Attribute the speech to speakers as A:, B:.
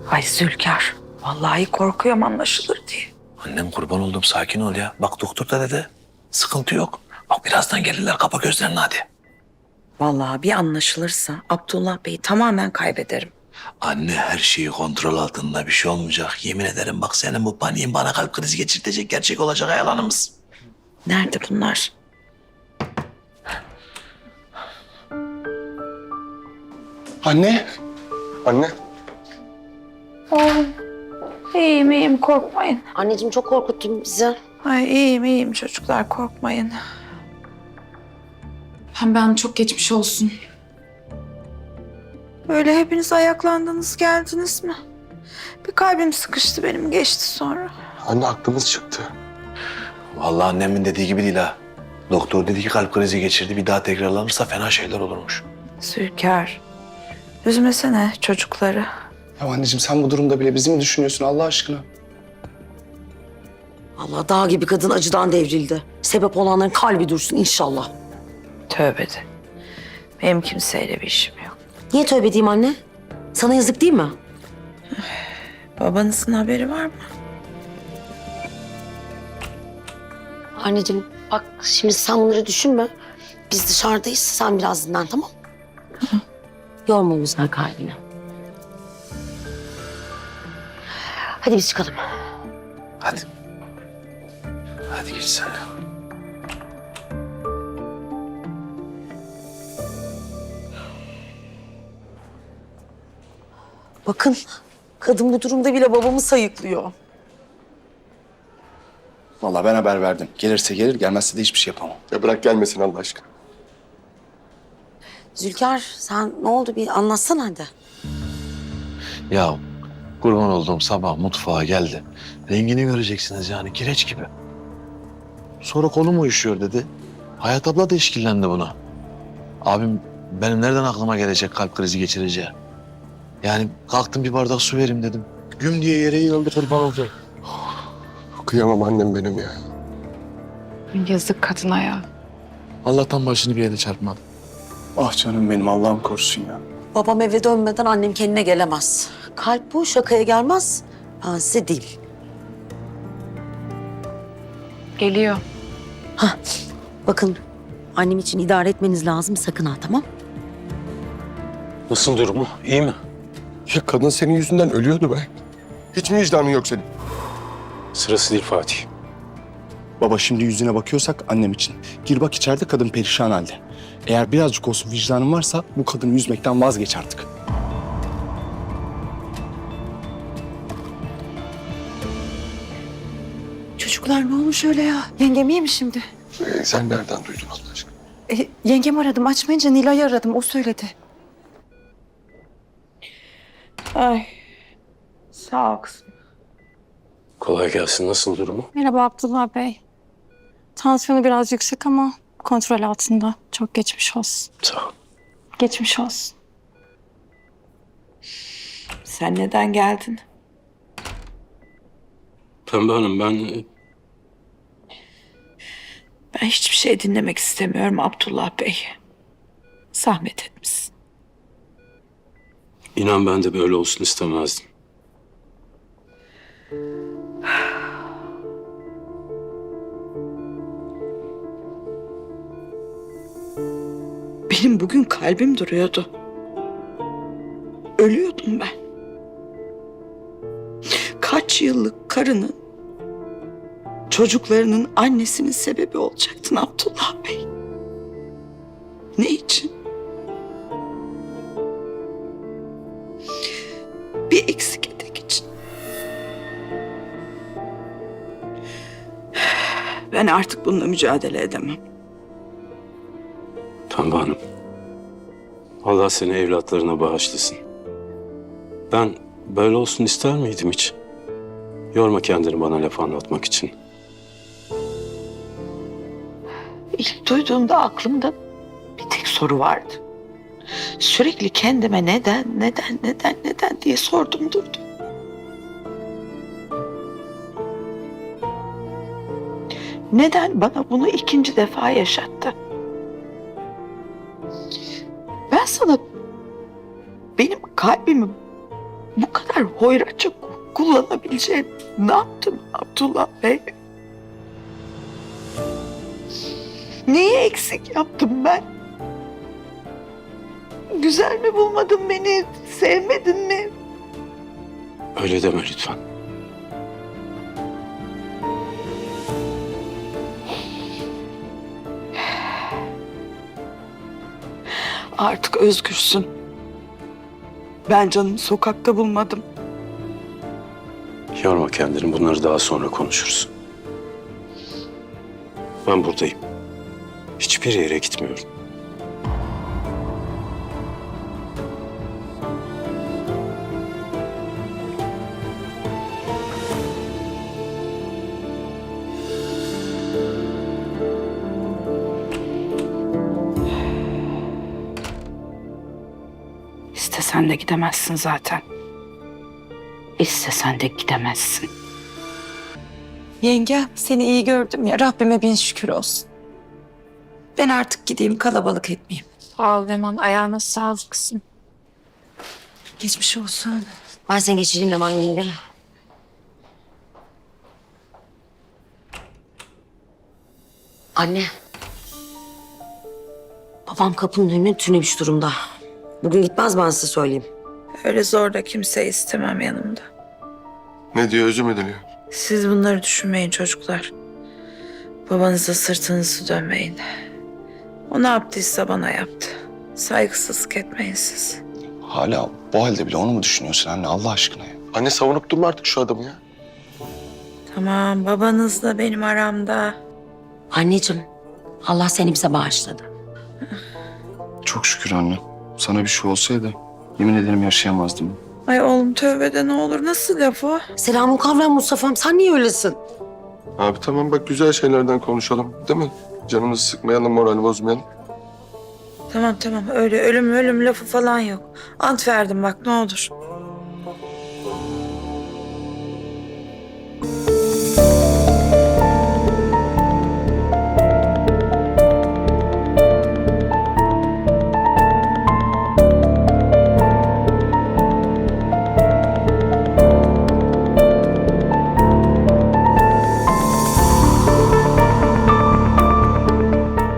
A: Ay Zülkar, vallahi korkuyorum anlaşılır diye.
B: Annem kurban oldum, sakin ol ya. Bak doktor da dedi. Sıkıntı yok. Bak birazdan gelirler, kapa gözlerini hadi.
A: Vallahi bir anlaşılırsa Abdullah Bey'i tamamen kaybederim.
B: Anne her şeyi kontrol altında, bir şey olmayacak. Yemin ederim bak senin bu paniğin bana kalp krizi geçirtecek, gerçek olacak yalanımız.
A: Nerede bunlar?
C: Anne. Anne.
A: İyiyim korkmayın.
D: Anneciğim çok korkuttun bizi.
A: Ay iyiyim çocuklar korkmayın.
E: Ben çok geçmiş olsun.
A: Böyle hepiniz ayaklandınız geldiniz mi? Bir kalbim sıkıştı benim geçti sonra.
C: Anne aklımız çıktı.
B: Vallahi annemin dediği gibi değil ha. Doktor dedi ki kalp krizi geçirdi, bir daha tekrarlanırsa fena şeyler olurmuş.
A: Zülkar, üzmesene çocukları.
C: Ya anneciğim sen bu durumda bile bizi mi düşünüyorsun Allah aşkına?
D: Allah dağ gibi kadın acıdan devrildi. Sebep olanların kalbi dursun inşallah.
A: Tövbe de. Benim kimseyle bir işim yok.
D: Niye tövbe edeyim anne? Sana yazık değil mi?
A: Babanızın haberi var mı?
D: Anneciğim bak şimdi sen bunları düşünme. Biz dışarıdayız. Sen biraz dinlen tamam mı? Yorma güzel kalbini. Hadi biz çıkalım.
B: Hadi. Hadi geç sen.
D: Bakın kadın bu durumda bile babamı sayıklıyor.
C: Vallahi ben haber verdim. Gelirse gelir, gelmezse de hiçbir şey yapamam.
F: Ya bırak gelmesin Allah aşkına.
D: Zülkar sen ne oldu bir anlatsana hadi.
B: Ya kurban olduğum sabah mutfağa geldi. Rengini göreceksiniz yani, kireç gibi. Sonra kolum uyuşuyor dedi. Hayat abla da işkillendi buna. Abim benim nereden aklıma gelecek kalp krizi geçireceği? Yani kalktım bir bardak su vereyim dedim. Güm diye yere yığıldı, kurban oldu.
F: Kıyamam annem benim ya.
E: Yazık kadına ya.
B: Allah'tan başını bir yere çarpmadı.
C: Ah canım benim Allah'ım korusun ya.
D: Babam eve dönmeden annem kendine gelemez. Kalp bu şakaya gelmez. Ben size değil.
E: Geliyor.
D: Bakın annem için idare etmeniz lazım sakın ha tamam?
F: Nasıl durumu? İyi mi? Ya kadın senin yüzünden ölüyordu be. Hiç mi vicdanın yok senin?
G: Sırası değil Fatih.
C: Baba şimdi yüzüne bakıyorsak annem için. Gir bak içeride kadın perişan halde. Eğer birazcık olsun vicdanın varsa bu kadını yüzmekten vazgeç artık.
H: Çocuklar ne olmuş öyle ya? Yengem iyi mi şimdi?
F: Sen nereden duydun Allah aşkına?
H: Yengem aradım. Açmayınca Nilay'ı aradım. O söyledi.
A: Ay sağ ol kızım.
G: Kolay gelsin. Nasıl durumu?
I: Merhaba Abdullah Bey. Tansiyonu biraz yüksek ama kontrol altında. Çok geçmiş olsun.
G: Sağ ol.
I: Geçmiş olsun.
A: Sen neden geldin?
G: Pembe Hanım ben
A: Ben hiçbir şey dinlemek istemiyorum Abdullah Bey. Zahmet etmişsin.
G: inan ben de böyle olsun istemezdim.
A: Benim bugün kalbim duruyordu. Ölüyordum ben. Kaç yıllık karının, çocuklarının annesinin sebebi olacaktın Abdullah Bey. Ne için? Bir eksik etek için. Ben artık bununla mücadele edemem.
G: Pembe Hanım. Allah seni evlatlarına bağışlasın. Ben böyle olsun ister miydim hiç? Yorma kendini bana laf anlatmak için.
A: İlk duyduğumda aklımda bir tek soru vardı. Sürekli kendime neden diye sordum durdum. Neden bana bunu ikinci defa yaşattı? Ben sana benim kalbimi bu kadar hoyratça kullanabileceğim ne yaptım Abdullah Bey? Neyi eksik yaptım ben? Güzel mi bulmadın beni? Sevmedin mi?
G: Öyle deme lütfen.
A: Artık özgürsün. Ben canımı sokakta bulmadım.
G: Yorma kendini, bunları daha sonra konuşuruz. Ben buradayım. Hiçbir yere gitmiyorum.
A: İstesen de gidemezsin zaten. İstesen de gidemezsin.
H: Yenge seni iyi gördüm ya. Rabbime bin şükür olsun. Ben artık gideyim kalabalık etmeyeyim.
E: Sağ ol Leman. Ayağına sağlık kızım.
H: Geçmiş olsun.
D: Ben seni geçireyim Leman yenge. Anne. Babam kapının önüne tünemiş durumda. Bugün gitmez, ben size söyleyeyim.
A: Öyle zor da kimseyi istemem yanımda.
F: Ne diyor, özür mü diliyor?
A: Siz bunları düşünmeyin çocuklar. Babanıza sırtınızı dönmeyin. O ne yaptıysa bana yaptı. Saygısızlık etmeyin siz.
C: Hala bu halde bile onu mu düşünüyorsun anne Allah aşkına ya?
F: Anne savunup durma artık şu adamı ya.
A: Tamam, babanızla benim aramda.
D: Anneciğim, Allah seni bize bağışladı.
C: Çok şükür anne. Sana bir şey olsaydı yemin ederim yaşayamazdım.
A: Ay oğlum tövbe de ne olur. Nasıl laf o?
D: Selamun kavram Mustafa'm, sen niye öylesin?
F: Abi tamam bak, güzel şeylerden konuşalım değil mi? Canımızı sıkmayalım, morali bozmayalım.
A: Tamam öyle ölüm lafı falan yok. Ant verdim bak ne olur.